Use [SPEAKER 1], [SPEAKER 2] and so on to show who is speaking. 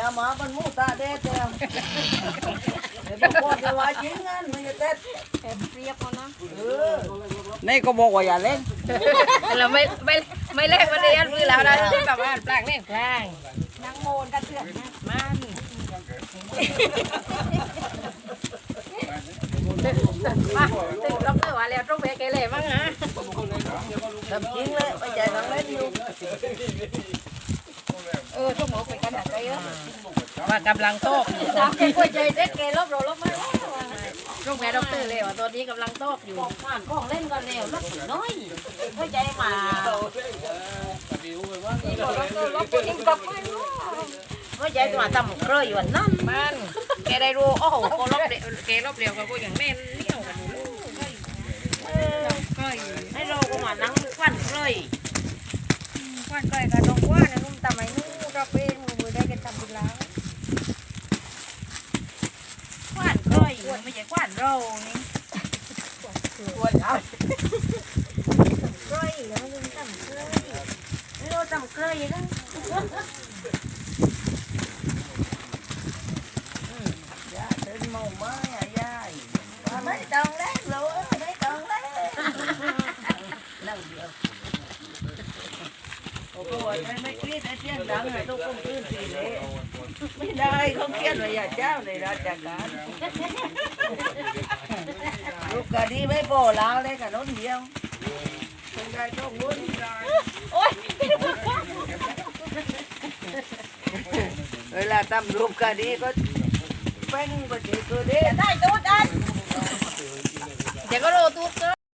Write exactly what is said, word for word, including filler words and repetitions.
[SPEAKER 1] nhà má bên mũ ta đét em để bố con cho vài chín ngàn mới tết
[SPEAKER 2] emเรียบเอาเนาะ
[SPEAKER 1] นี่ก็บอกว่าอย่าเล่น
[SPEAKER 2] เราไม่ไม่ไม่เล่นวันนี้อันมือเราได้แบบว่าแปลงเล่นแปลง
[SPEAKER 3] นางโมนกันเถื่อนนะ
[SPEAKER 2] มันมาตึกรับเลยว่าแล้วต้องไปเกเรมั้งฮะ
[SPEAKER 1] ทำจริงเลยไปใจทางเล่นอยู่
[SPEAKER 3] เออชั่วโมงไปกันหนักใจเยอะ
[SPEAKER 2] ว่ากำลังโตก
[SPEAKER 3] สามแกกล้วยใจเด็ดแกลบเราลบมาแล้ว
[SPEAKER 2] ลูกแม่ด็อกเตอร์เลยว่าตอนนี้กำลังโตกอยู่
[SPEAKER 3] ของผ่านของเล่นก่อนแล้วลบน้อยกล้วยใจมานี่ก็ลบลบกินกับไม่รู้
[SPEAKER 2] ก็ใจตัวต่ำเคยอยู่นั่นมันแกได้รู้โอ้โหก็ลบแกลบเร็วกับกูอย่างแม่เลี้ยวกันอยู่ให้เราก็มานั่งควันเลย
[SPEAKER 3] ควันก้อยกับน้องว่านะนุ่มตาไม่นู้เราเป็นมือได้กันทำบุญแล้ว
[SPEAKER 2] ควันเลยไม่ใช่ควันเรานี่
[SPEAKER 1] ควรเอา
[SPEAKER 3] ก้อยแล้วมันทำเคย
[SPEAKER 2] เราต่ำเคยนะ
[SPEAKER 1] ย่าเดินเมาไม้อ่ะย่าว่าไม่ต้องเล่นเลยไม่ต้องเล่นนั่งเดียวโอ้โหไม่ไม่คิดไอ้เสียงดังไอ้ตุ๊กกุ้งขึ้นสีเลยไม่ได้เขาเขียนไว้อย่าเจ้าในราชการลูกกะดีไม่พอแล้วเลยกับน้องเดียวคงได้ต้องวุ่น
[SPEAKER 3] โอ๊ย
[SPEAKER 1] เวลาทำรูปกะดีก็เป็นปฏิกิริยา
[SPEAKER 3] ได้ตัวได้
[SPEAKER 2] เดี๋ยวก็โดนตุ๊กเกอ